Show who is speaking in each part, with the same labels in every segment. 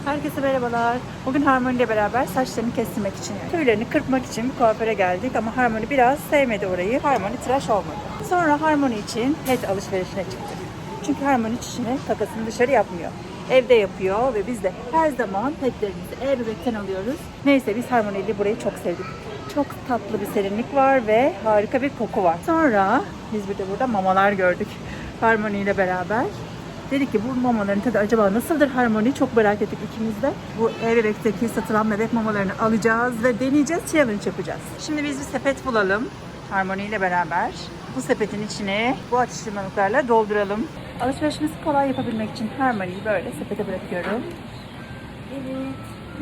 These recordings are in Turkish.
Speaker 1: Herkese merhabalar. Bugün Harmony ile beraber saçlarını kestirmek için, tüylerini kırpmak için bir kuaföre geldik ama Harmony biraz sevmedi orayı. Harmony tıraş olmadı. Sonra Harmony için pet alışverişine çıktık. Çünkü Harmony çişini, kakasını dışarı yapmıyor. Evde yapıyor ve biz de her zaman petlerimizi e-bebekten alıyoruz. Neyse biz Harmony ile burayı çok sevdik. Çok tatlı bir serinlik var ve harika bir koku var. Sonra biz bir de burada mamalar gördük Harmony ile beraber. Dedik ki bu mamaların tadı acaba nasıldır Harmony? Çok merak ettik ikimiz de. Bu e-bebekteki satılan bebek mamalarını alacağız ve deneyeceğiz, challenge yapacağız. Şimdi biz bir sepet bulalım Harmony ile beraber. Bu sepetin içine bu atıştırmalıklarla dolduralım. Alışverişimizi kolay yapabilmek için Harmony'yi böyle sepete bırakıyorum. Evet.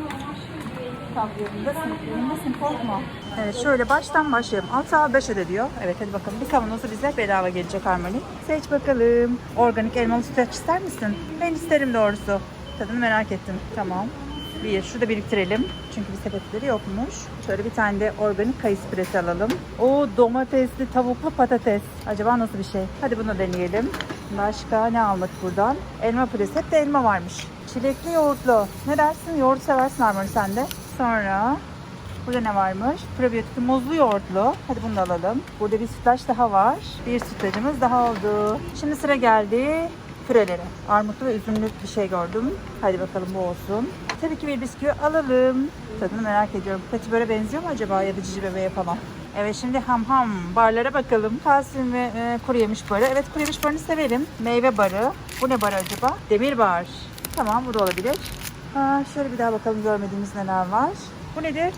Speaker 1: Yanındasın, korkma. Evet, şöyle baştan başlayalım. 6 al 5 öde diyor. Evet, hadi bakalım. Bir kavanozu bize bedava gelecek Harmony. Seç bakalım. Organik elmalı sütlaç ister misin? Ben isterim doğrusu. Tadını merak ettim. Tamam. Şurada biriktirelim. Çünkü bir sepetleri yokmuş. Şöyle bir tane de organik kayısı püresi alalım. O domatesli, tavuklu patates. Acaba nasıl bir şey? Hadi bunu deneyelim. Başka ne aldık buradan? Elma püresi. Hep de elma varmış. Çilekli yoğurtlu. Ne dersin? Yoğurt seversin Harmony sen de. Sonra burada ne varmış? Probiyotik muzlu yoğurtlu. Hadi bunu da alalım. Burada bir sütlaç daha var. Bir sütlacımız daha oldu. Şimdi sıra geldi pürelere. Armutlu ve üzümlü bir şey gördüm. Hadi bakalım bu olsun. Tabii ki bir bisküvi alalım. Tadını merak ediyorum. Peki böyle benziyor mu acaba ya da cici bebeğe falan? Evet, şimdi ham barlara bakalım. Kalsiyum ve kuru yemiş barı. Evet, kuru yemiş barını severim. Meyve barı. Bu ne barı acaba? Demir bar. Tamam, bu da olabilir. Şöyle bir daha bakalım görmediğimiz neler var. Bu nedir?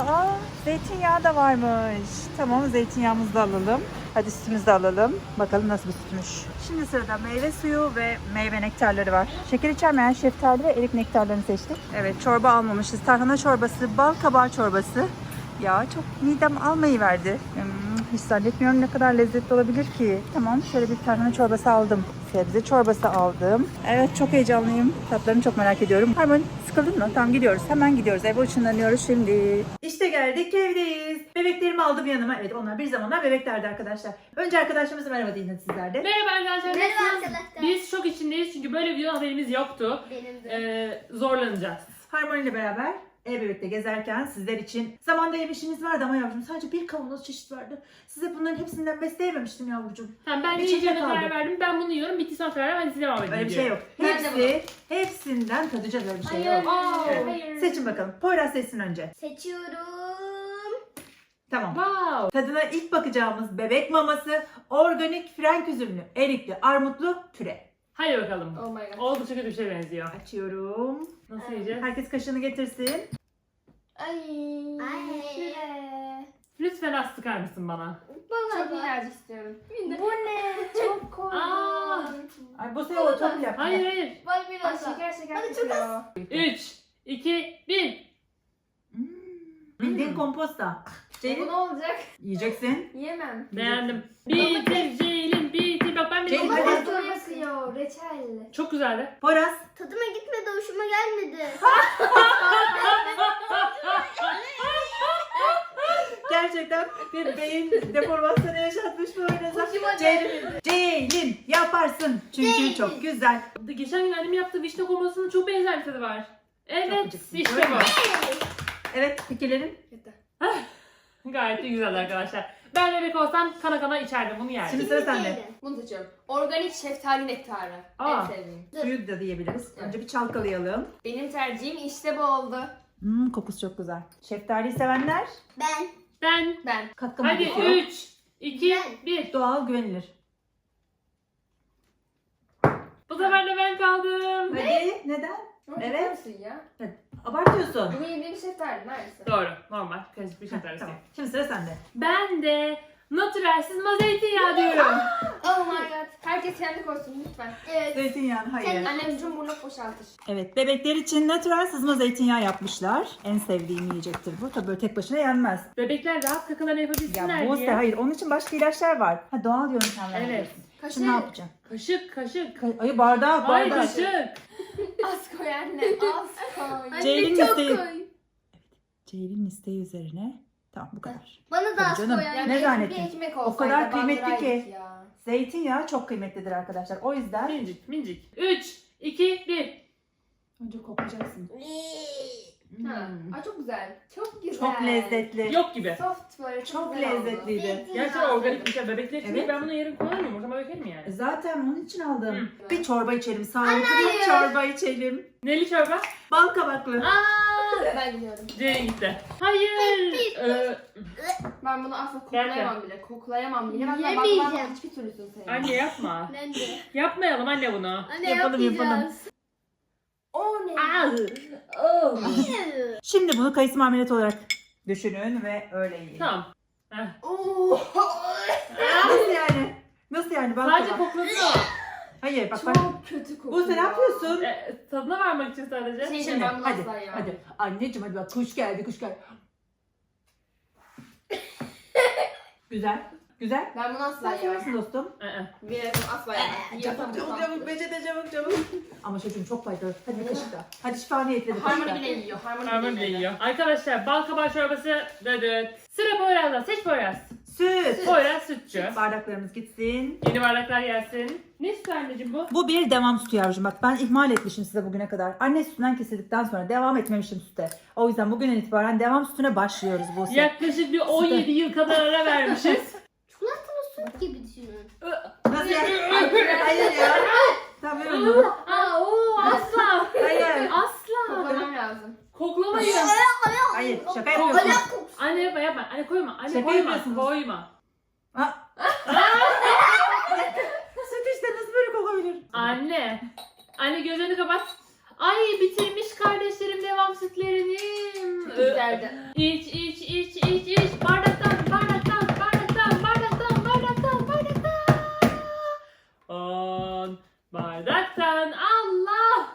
Speaker 1: Zeytinyağı da varmış. Tamam, zeytinyağımızı da alalım. Hadi sütümüzü de alalım. Bakalım nasıl bir sütmüş. Şimdi sırada meyve suyu ve meyve nektarları var. Şeker içermeyen şeftali ve erik nektarlarını seçtik. Evet, çorba almamışız. Tarhana çorbası, bal kabağı çorbası. Ya çok midem almayı verdi. Hiç zannetmiyorum ne kadar lezzetli olabilir ki. Tamam, şöyle bir tarhana çorbası aldım. Sebze çorbası aldım. Evet, çok heyecanlıyım. Tatlarını çok merak ediyorum. Harmony, sıkıldın mı? Tamam, gidiyoruz. Hemen gidiyoruz. Eve ışınlanıyoruz şimdi. İşte geldik, evdeyiz. Bebeklerimi aldım yanıma. Evet, onlar bir zamanlar bebeklerdi arkadaşlar. Önce arkadaşlarımıza merhaba deyin sizler de.
Speaker 2: Merhaba arkadaşlar.
Speaker 3: Merhaba
Speaker 2: Nasılsınız?
Speaker 3: arkadaşlar.
Speaker 2: Biz şok içindeyiz çünkü böyle bir videodan haberimiz yoktu.
Speaker 3: Benim de.
Speaker 2: Zorlanacağız.
Speaker 1: Harmony ile beraber e-bebekte gezerken sizler için zamanda yemişimiz vardı ama yavrucuğum sadece bir kavanoz çeşit vardı. Size bunların hepsinden besleyememiştim yavrucuğum.
Speaker 2: Tamam, ben
Speaker 1: Bir
Speaker 2: ne
Speaker 1: çiçek
Speaker 2: yiyeceğime
Speaker 1: aldım.
Speaker 2: karar verdim. Ben bunu yiyorum. Bitti sonra karar ben size devam edeyim.
Speaker 1: Öyle bir şey yok.
Speaker 3: Ben de
Speaker 1: Hepsinden tadacağız, öyle bir şey
Speaker 3: Hayır.
Speaker 1: yok. Evet.
Speaker 3: Hayır.
Speaker 1: Seçin bakalım. Poyraz seçsin önce.
Speaker 3: Seçiyorum.
Speaker 1: Tamam.
Speaker 2: Wow.
Speaker 1: Tadına ilk bakacağımız bebek maması organik frenk üzümlü, erikli, armutlu püre.
Speaker 2: Hadi bakalım.
Speaker 3: Oh my god.
Speaker 2: Oldukça kötü bir şey benziyor.
Speaker 1: Açıyorum.
Speaker 2: Nasıl yiyeceğiz?
Speaker 1: Herkes kaşığını getirsin.
Speaker 3: Ay.
Speaker 2: Lütfen az sıkar mısın bana?
Speaker 3: Çok minnacık istiyorum. Bu ne? Çok korkunç.
Speaker 1: Ay bu sefer o çok yap.
Speaker 2: Hayır.
Speaker 3: Bak biraz şeker
Speaker 4: Hadi çok az.
Speaker 2: 3, 2, 1.
Speaker 1: Bildiğin komposta.
Speaker 3: Bu
Speaker 1: Ceylin
Speaker 3: ne olacak?
Speaker 1: yiyeceksin.
Speaker 3: Yiyemem.
Speaker 2: Beğendim. Bitir Ceylin, bitir. Bak ben
Speaker 1: Ceylin,
Speaker 2: bile...
Speaker 1: hadi.
Speaker 3: Çok yakıyor. Reçel.
Speaker 2: Çok güzeldi.
Speaker 1: Poyraz.
Speaker 4: Tadıma gitmedi, hoşuma gelmedi.
Speaker 1: Gerçekten bir beyin deformasyonu yaşatmış Poyraz'a.
Speaker 3: Hoşuma
Speaker 1: Ceylin yaparsın. Çünkü çok güzel.
Speaker 2: Geçen gün annemin yaptığı vişne komasının çok benzer bir tadı var. Evet,
Speaker 1: gıcıksın,
Speaker 2: işte
Speaker 1: öyle mi?
Speaker 2: bu.
Speaker 1: Evet, fikirlerin.
Speaker 2: Gayet de güzeldi arkadaşlar. Ben bebek olsam kana kana içerdim, bunu yerdim.
Speaker 1: Şimdi sıra sende.
Speaker 3: Bunu seçiyorum. Organik şeftali nektarı.
Speaker 2: Aa.
Speaker 3: En sevdiğim.
Speaker 1: Suyu da diyebiliriz. Önce bir çalkalayalım.
Speaker 3: Benim tercihim işte bu oldu.
Speaker 1: Kokusu çok güzel. Şeftali sevenler
Speaker 2: Ben.
Speaker 1: katkı mı
Speaker 2: Hadi
Speaker 1: geçiyor?
Speaker 2: 3, 2, 1.
Speaker 1: Doğal, güvenilir.
Speaker 2: Bu sefer de ben kaldım.
Speaker 1: Hadi, neden? Evet.
Speaker 3: Nasıl ya?
Speaker 1: Abartıyorsun.
Speaker 3: Bunu yediğim şeftali neredeyse.
Speaker 2: Doğru, normal. Karışık bir şey
Speaker 1: Tamam.
Speaker 2: tersi.
Speaker 1: Şimdi sıra sende.
Speaker 2: Ben de natürel sızma zeytinyağı diyorum.
Speaker 3: Oh my god. Herkes kendi koysun lütfen. Evet.
Speaker 1: Zeytinyağı, hayır.
Speaker 3: Annem cumburnu boşaltır.
Speaker 1: Evet, bebekler için natürel sızma zeytinyağı yapmışlar. En sevdiğim yiyecektir bu. Tabii böyle tek başına yenmez.
Speaker 2: Bebekler rahat kakalarını yapabilsinler
Speaker 1: Ya bu
Speaker 2: diye.
Speaker 1: hayır. Onun için başka ilaçlar var. Ha, doğal yöntemler.
Speaker 2: Evet.
Speaker 1: yapıyorsun.
Speaker 3: Kaşık.
Speaker 1: Şimdi ne yapacağım?
Speaker 2: Kaşık.
Speaker 1: Ay bardak,
Speaker 2: Hayır,
Speaker 1: bardak.
Speaker 2: kaşık.
Speaker 3: Az koy anne. Az koy.
Speaker 1: Ceylin
Speaker 4: çok
Speaker 1: isteği.
Speaker 4: koy.
Speaker 1: Ceylin isteği üzerine. Tamam, bu kadar.
Speaker 4: Bana da
Speaker 1: Tabii
Speaker 4: az
Speaker 1: canım.
Speaker 4: koy.
Speaker 3: Yani
Speaker 1: Ne
Speaker 3: bir
Speaker 1: zannettin?
Speaker 3: ekmek
Speaker 1: O
Speaker 3: olsaydı
Speaker 1: kadar kıymetli
Speaker 3: bandıraydık
Speaker 1: ki.
Speaker 3: ya.
Speaker 1: Zeytinyağı çok kıymetlidir arkadaşlar. O yüzden
Speaker 2: Minicik. 3, 2, 1.
Speaker 1: Önce koklayacaksın.
Speaker 3: Ha. Ay çok güzel. Çok güzel.
Speaker 1: Çok lezzetli.
Speaker 2: Yok gibi.
Speaker 3: Soft böyle
Speaker 1: Çok
Speaker 3: güzel oldu.
Speaker 1: lezzetliydi.
Speaker 2: Gerçekten organik bir şey. Bebekler için
Speaker 1: Evet.
Speaker 2: değil. Ben bunu yarın kullanmıyorum. Ortama dökerim yani.
Speaker 1: Zaten onun için aldım.
Speaker 3: Hı.
Speaker 1: Bir çorba içelim. Sağlıklı bir
Speaker 3: hayır.
Speaker 1: çorba içelim.
Speaker 2: Neli çorba?
Speaker 1: Bal kabaklı.
Speaker 3: Ben gidiyorum.
Speaker 2: C'ye gitti. Hayır.
Speaker 3: Ben bunu asla
Speaker 2: Gel,
Speaker 3: koklayamam bile. Koklayamam bile. Ben
Speaker 4: Yemeyeceğim.
Speaker 3: bakmam hiçbir türlüsünü sevmem.
Speaker 2: Anne yapma.
Speaker 4: Ben de.
Speaker 2: Yapmayalım anne bunu.
Speaker 4: Anne
Speaker 1: Yapalım, yapalım.
Speaker 4: yapmayacağız.
Speaker 3: O ne?
Speaker 2: Aa.
Speaker 3: Oh.
Speaker 1: Şimdi bunu kayısı marmelatı olarak düşünün ve öyle yiyin.
Speaker 2: Tamam.
Speaker 3: Oo.
Speaker 1: Nasıl yani? Nasıl yani? Bal
Speaker 2: Sadece
Speaker 1: kabak.
Speaker 2: koklasın.
Speaker 1: Hayır bak bak.
Speaker 3: Çok kötü kokuyor.
Speaker 1: Bu sen ne yapıyorsun?
Speaker 2: Tadına varmak için sadece.
Speaker 3: Şey-
Speaker 1: Şimdi
Speaker 3: ben bunu
Speaker 1: hadi
Speaker 3: asla yemem.
Speaker 1: hadi. Anneciğim hadi bak kuş geldi kuş geldi. Güzel. Güzel.
Speaker 3: Ben bunu asla
Speaker 1: Sen
Speaker 3: yemem.
Speaker 1: seversin dostum.
Speaker 3: Bir asla yemem.
Speaker 1: Çabuk çabuk çabuk peçete çabuk çabuk. Ama çocuğum çok faydalı. Hadi bir kaşık daha. Hadi şifa niyetine bir kaşık
Speaker 3: Harmony
Speaker 1: daha.
Speaker 3: bile yiyor.
Speaker 2: Harman
Speaker 3: Harmony
Speaker 2: bile
Speaker 3: bile
Speaker 2: yiyor. Arkadaşlar bal kabağı çorbası dedik. Sıra Poyraz'da. Seç Poyraz.
Speaker 1: Süt.
Speaker 2: Poyraz sütçü.
Speaker 1: Bardaklarımız gitsin.
Speaker 2: Yeni bardaklar gelsin. Ne sütü anneciğim bu?
Speaker 1: Bu bir devam sütü yavrucuğum. Bak ben ihmal etmişim size bugüne kadar. Anne sütünden kesildikten sonra devam etmemişim süte. O yüzden bugünden itibaren devam sütüne başlıyoruz bu süt.
Speaker 2: Yaklaşık bir 17 yıl kadar ara vermişiz.
Speaker 4: Çikolatalı süt gibi düşünün.
Speaker 1: Nasıl yani? Hayır ya. Tamam.
Speaker 2: Aa, oo, asla.
Speaker 1: Hayır.
Speaker 2: Asla.
Speaker 3: Koklamam lazım.
Speaker 2: Koklamayın.
Speaker 1: Hayır. Şaka yapıyorsun.
Speaker 2: Anne yapma yapma. Anne koyma. Anne
Speaker 1: Şaka
Speaker 2: koyma.
Speaker 1: yapıyorsunuz.
Speaker 2: Koyma.
Speaker 1: Süt işte nasıl böyle kokabilir?
Speaker 2: Anne. Anne gözlerini kapat. Ay bitirmiş kardeşlerim devam sütlerini.
Speaker 3: Güzeldi.
Speaker 2: İç iç iç iç iç. Bardaktan bardaktan bardaktan bardaktan bardaktan bardaktan. 10 bardaktan Allah.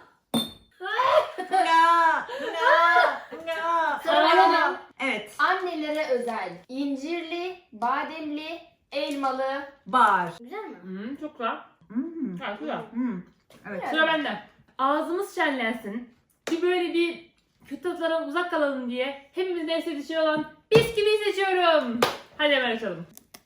Speaker 3: Sonra
Speaker 1: Evet.
Speaker 3: annelere özel incirli, bademli, elmalı.
Speaker 1: Bar.
Speaker 4: Güzel mi?
Speaker 2: Çok güzel. Evet, güzel.
Speaker 1: Evet.
Speaker 2: Sıra bende. Ağzımız şenlensin. Bir kötü tatlardan uzak kalalım diye hepimizin en sevdiği şey olan bisküvi seçiyorum. Hadi hemen açalım.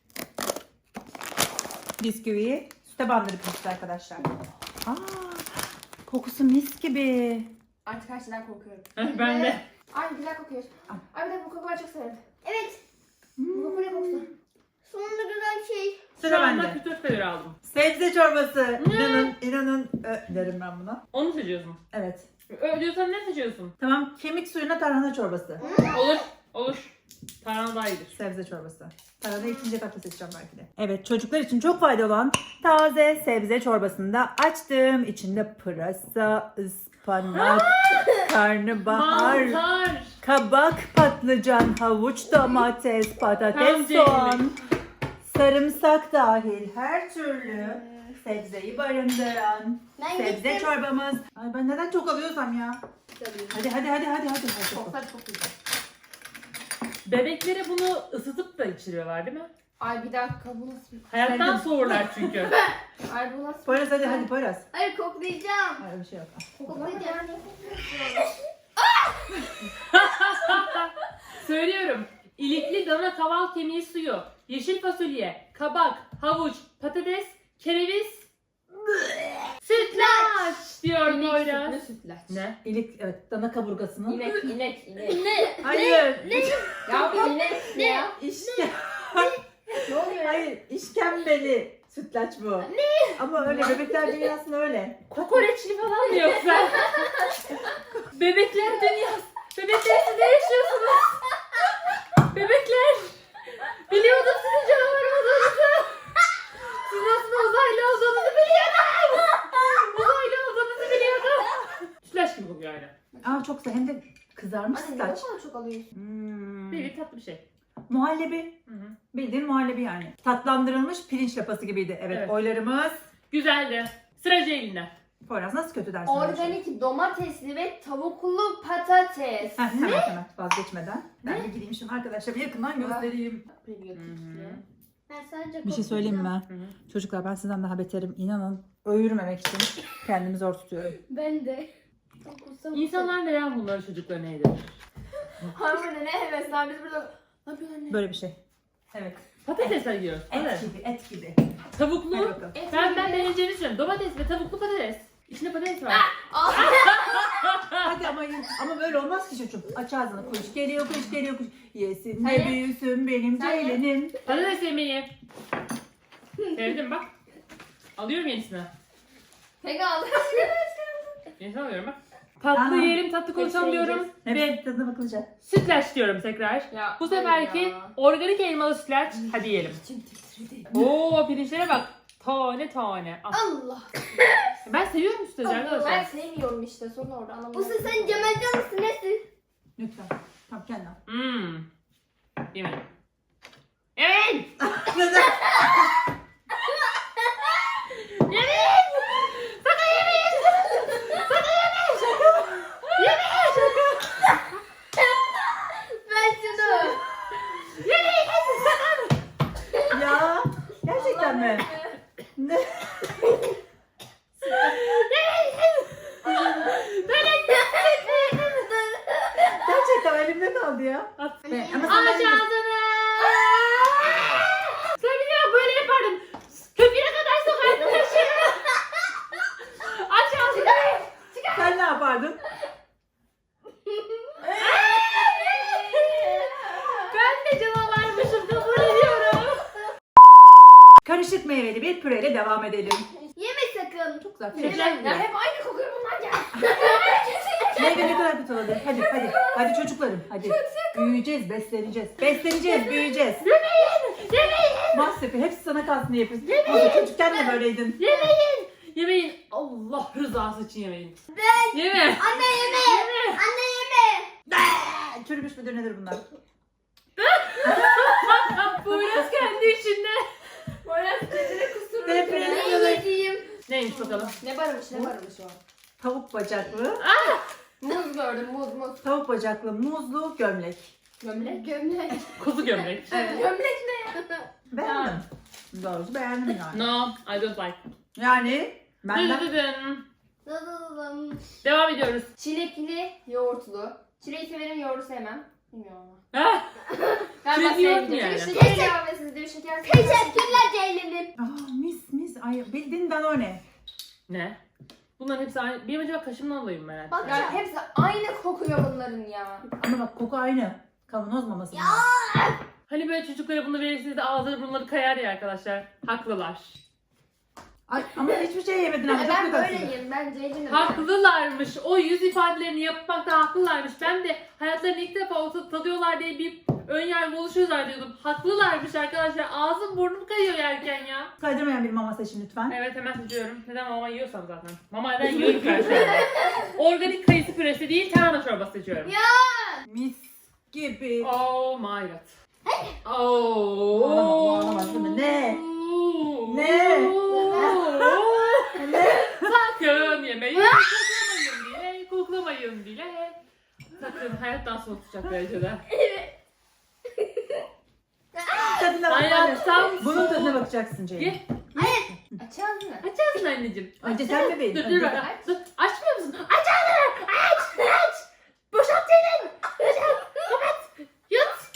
Speaker 1: Bisküviyi süte bandırıp işte arkadaşlar. Aa, kokusu mis gibi.
Speaker 3: Artık her şeyden korkuyorum.
Speaker 2: Ben de.
Speaker 3: Ay güzel kokuyor. Ay bir de bu kokuyu ben çok severim.
Speaker 4: Evet.
Speaker 3: Bu koku ne kokusu?
Speaker 4: Sonunda güzel şey.
Speaker 2: Şu
Speaker 1: Sıra
Speaker 2: anda
Speaker 1: bende.
Speaker 2: kötü öfkeleri aldım.
Speaker 1: Sebze çorbası. İnanın derim ben buna.
Speaker 2: Onu seçiyorsun.
Speaker 1: Evet.
Speaker 2: Diyorsan ne seçiyorsun?
Speaker 1: Tamam, kemik suyuna tarhana çorbası.
Speaker 2: Olur. Olur. Tarhana daha iyidir.
Speaker 1: Sebze çorbası. Tarhana ikinci etapta seçeceğim belki de. Evet, çocuklar için çok faydalı olan taze sebze çorbasını da açtım. İçinde pırasa, ıspanak, karnabahar,
Speaker 2: Mantar.
Speaker 1: kabak, patlıcan, havuç, domates, patates,
Speaker 2: Tam
Speaker 1: soğan, sarımsak dahil her türlü sebzeyi barındıran
Speaker 4: Ben
Speaker 1: sebze
Speaker 4: gittim.
Speaker 1: çorbamız. Ay ben neden çok alıyorsam ya? Hadi.
Speaker 3: Koklar çok güzel.
Speaker 2: Bebeklere bunu ısıtıp da içiriyorlar değil mi?
Speaker 3: Ay bir dakika bu nasıl?
Speaker 2: Hayattan
Speaker 1: Sevdim.
Speaker 2: soğurlar çünkü.
Speaker 3: Ay bu nasıl?
Speaker 1: Poyraz hadi Poyraz.
Speaker 4: Hayır koklayacağım.
Speaker 1: Hayır bir şey yok.
Speaker 4: Koklayacağım.
Speaker 2: Söylüyorum. İlikli dana kaval kemiği suyu, yeşil fasulye, kabak, havuç, patates, kereviz, sütlaç diyor
Speaker 3: İnek
Speaker 2: Poyraz.
Speaker 3: sütlü sütlaç.
Speaker 2: Ne?
Speaker 1: İlik evet dana kaburgasını.
Speaker 3: İnek.
Speaker 1: Hayır.
Speaker 3: Ya bu inek ne ya?
Speaker 1: İşke...
Speaker 3: Ne oluyor ya?
Speaker 1: Hayır işkembeli sütlaç bu. Ne? Ama öyle bebekler dünyasında öyle.
Speaker 2: Kokoreçli falan mı yoksa? Bebekler dünyası. Bebekler siz ne yaşıyorsunuz? Bebekler. Biliyordum sizin canavar olduğunuzu. Siz aslında uzaylı olduğunuzu biliyordum. Uzaylı olduğunuzu biliyordum. Sütlaç gibi kokuyor aynen.
Speaker 1: Aa çok güzel hem de kızarmış
Speaker 3: Anne ne
Speaker 1: sütlaç.
Speaker 3: kadar çok alıyorsun?
Speaker 2: Bir tatlı bir şey.
Speaker 1: Muhallebi.
Speaker 2: Hı hı.
Speaker 1: Bildiğin muhallebi yani. Tatlandırılmış pirinç lapası gibiydi. Evet,
Speaker 2: Evet.
Speaker 1: oylarımız.
Speaker 2: Güzeldi. Sıra Ceylin'de.
Speaker 1: Poyraz nasıl kötü dersin?
Speaker 3: Organik domatesli ve tavuklu patates.
Speaker 1: Heh, hemen vazgeçmeden. Ben de gideyim şunu arkadaşlar bir yakından göstereyim.
Speaker 4: Ben sadece
Speaker 1: Bir şey söyleyeyim mi?
Speaker 2: Hı hı.
Speaker 1: Çocuklar ben sizden daha beterim. İnanın öğürmemek için kendimi zor tutuyorum.
Speaker 4: Ben de.
Speaker 2: İnsanlar neden bunları çocuklarına yedirir?
Speaker 3: Harmony ne hevesler biz burada. Ne yapıyorsun anne?
Speaker 1: Böyle bir şey. Evet.
Speaker 2: Patatesler yiyoruz. Evet.
Speaker 1: Et gibi.
Speaker 2: Tavuklu.
Speaker 1: Hadi bakalım.
Speaker 2: Ben deneyeceğini düşünüyorum. Domates ve tavuklu patates. İçinde patates var.
Speaker 1: Hadi ama böyle olmaz ki çocuğum. Aç ağzını, kuş geliyor, kuş geliyor, kuş. Yesin de
Speaker 2: Hadi.
Speaker 1: büyüsün benim
Speaker 3: Sen ye.
Speaker 1: ceylinim.
Speaker 2: Patates yemeği. Sevdim bak. Alıyorum yenisini.
Speaker 3: Peki aldım.
Speaker 2: Yenisini alıyorum bak. Tatlı
Speaker 1: Aha.
Speaker 2: yiyelim, tatlı konuşalım diyorum. Ve
Speaker 1: Hepsi tadına bakılacak.
Speaker 2: sütlaç diyorum tekrar.
Speaker 3: Ya,
Speaker 2: Bu seferki
Speaker 3: ya.
Speaker 2: organik elmalı sütlaç. Hadi yiyelim. Oo pirinçlere bak. Tane tane. Ah.
Speaker 3: Allah.
Speaker 2: Ben seviyorum sütlacı
Speaker 3: Ben
Speaker 2: arkadaşlar.
Speaker 3: sevmiyorum işte. Sorun orada anlamadım.
Speaker 4: Usta sen Cemalcan mısın nesin?
Speaker 1: Lütfen. Tamam kendin al.
Speaker 2: Yemedim. Evet.
Speaker 1: Neden?
Speaker 2: Yemeyin. Sakın yemeyin. Sakın yemeyin. Şaka. Yemeyin. Şaka.
Speaker 4: Ben şunu.
Speaker 2: Yemeyin. Sakın.
Speaker 1: Ya gerçekten mi? Ne? Gerçekten elimde kaldı ya.
Speaker 2: At.
Speaker 1: Ama sen
Speaker 2: Aç
Speaker 1: bence-
Speaker 2: ağzını. Sen biliyor böyle yapardın. Köpüğüne kadar sokardın taşını. Aç ağzını.
Speaker 1: Sen ne yapardın?
Speaker 2: Ben de canavarmışım kabul ediyorum.
Speaker 1: Karışık meyveli bir püreyle devam edelim.
Speaker 4: Yeme sakın.
Speaker 1: Çok güzel.
Speaker 2: Teşekkür
Speaker 3: Ya hep aynı kokuyor bunlar ya.
Speaker 1: Meyve ne kadar kötü olabilir? Hadi. Hadi çocuklarım. Hadi. Büyüyeceğiz, besleneceğiz. Besleneceğiz, büyüyeceğiz.
Speaker 2: Yemeyin.
Speaker 1: Mahsepi hepsi sana kalsın diye yapıyorsun. Ama çocukken de böyleydin.
Speaker 2: Yemeyin. Yemeyin. Allah rızası için yemeyin. Yeme.
Speaker 4: Anne yeme. Anne yeme.
Speaker 1: Çürümüş müdür nedir bunlar?
Speaker 2: Poyraz kendi içinde.
Speaker 3: Böyle kedine kusurmuş.
Speaker 1: Deprem.
Speaker 4: Ne yediğim?
Speaker 2: Neymiş bakalım.
Speaker 3: Ne barımış o.
Speaker 1: Tavuk bacaklı.
Speaker 3: Muz gördüm muz.
Speaker 1: Tavuk bacaklı muzlu gömlek.
Speaker 3: Gömlek. Gömlek.
Speaker 2: Kuzu gömlek.
Speaker 3: Gömlek ne ya?
Speaker 1: Beğendim. Doğrusu beğendim yani.
Speaker 2: No, I don't like.
Speaker 1: Yani benden
Speaker 2: Dıdıdıdın.
Speaker 4: Dadadadam.
Speaker 2: Devam ediyoruz.
Speaker 3: Çilekli yoğurtlu. Çileği severim yoğurdu sevmem. Bilmiyorum ama.
Speaker 2: Ah,
Speaker 3: Ben
Speaker 2: Çilek
Speaker 3: bahsedeyim
Speaker 2: yoğurt mu
Speaker 3: diye.
Speaker 2: yani?
Speaker 3: Şeker ilavesiz diyor şeker.
Speaker 4: Teşekkürler Ceylin'im.
Speaker 1: mis. Ay bildin Danone.
Speaker 2: ne? Bunların hepsi aynı. Benim acaba kaşımdan alayım merak ettim.
Speaker 3: Bak ya hepsi aynı kokuyor bunların ya.
Speaker 1: Ama bak koku aynı. Kavanoz maması.
Speaker 2: Hani böyle çocuklara bunu verirsiniz de ağızları burunları kayar ya arkadaşlar. Haklılar.
Speaker 1: Ay, ama hiçbir şey yemedin ama çok
Speaker 3: Ben
Speaker 1: kötü.
Speaker 3: böyleyim. Ben Ceylin'im.
Speaker 2: Haklılarmış. O yüz ifadelerini yapmakta haklılarmış. Ben de hayatlarını ilk defa olsa tadıyorlar diye bir ön yargı oluşuyor zannediyordum. Haklılarmış arkadaşlar. Ağzım burnum kayıyor yerken ya.
Speaker 1: Kaydırmayan bir mama seçin lütfen.
Speaker 2: Evet hemen seçiyorum. Neden mama yiyorsam zaten. Mamadan yiyorum ben şu anda. Organik kayısı püresi değil tarhana çorbası seçiyorum.
Speaker 1: Mis gibi.
Speaker 2: Oh my god.
Speaker 1: Bu olamaz değil mi? Ne? Ne?
Speaker 2: Sakın yemeyin. Koklamayın bile. Sakın hayattan soğutacak derecede.
Speaker 1: Tadına bak.
Speaker 2: Hayattan
Speaker 1: Bunun tadına
Speaker 2: soğut.
Speaker 1: bakacaksın Ceylin.
Speaker 2: Ye.
Speaker 3: Aç ağzını.
Speaker 2: Aç ağzını anneciğim.
Speaker 1: Önce sen bebeğim.
Speaker 2: Dur
Speaker 1: önce
Speaker 2: dur
Speaker 1: sen.
Speaker 2: dur. Açmıyor musun? Aç ağzını. Aç. Boşalt elini. Kapat. Yut.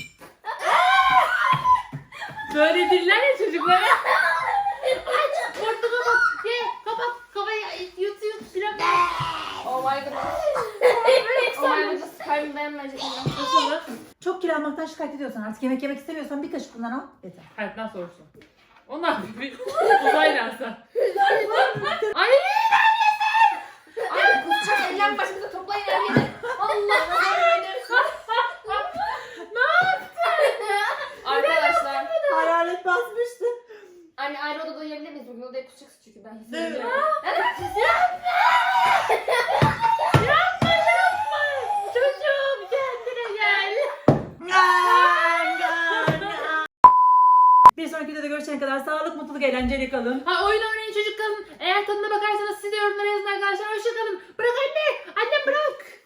Speaker 2: Böyle diller ya çocuklara. Aç. Burnunu kapat. Ye. Kapat. Kafayı yut. Biraz.
Speaker 3: Oh my god. Oh my god. Kalbim dayanmayacak.
Speaker 2: Nasıl olur?
Speaker 1: Çok kilo almaktan şikayet ediyorsan artık yemek istemiyorsan bir kaşık bundan al. Yeter.
Speaker 2: Hayattan sorusu. Onlar bir uzay lansı. Ay
Speaker 3: Ay kusacak eller başımıza toplayın her yeri. Allah Arkadaşlar.
Speaker 1: Hayalet basmıştı.
Speaker 3: Anne ayrı odada uyuyabilir miyiz? Bugün odaya kusacaksın çünkü ben
Speaker 1: Evet.
Speaker 3: hissediyorum.
Speaker 2: çocuğum kendine gel.
Speaker 1: Bir sonraki videoda görüşene kadar sağlık, mutluluk, eğlenceli kalın.
Speaker 2: Ha oyun oynayın çocuk kalın. Eğer tadına bakarsanız siz de yorumlara yazın arkadaşlar. Hoşça kalın. Bırak anne. Annem bırak.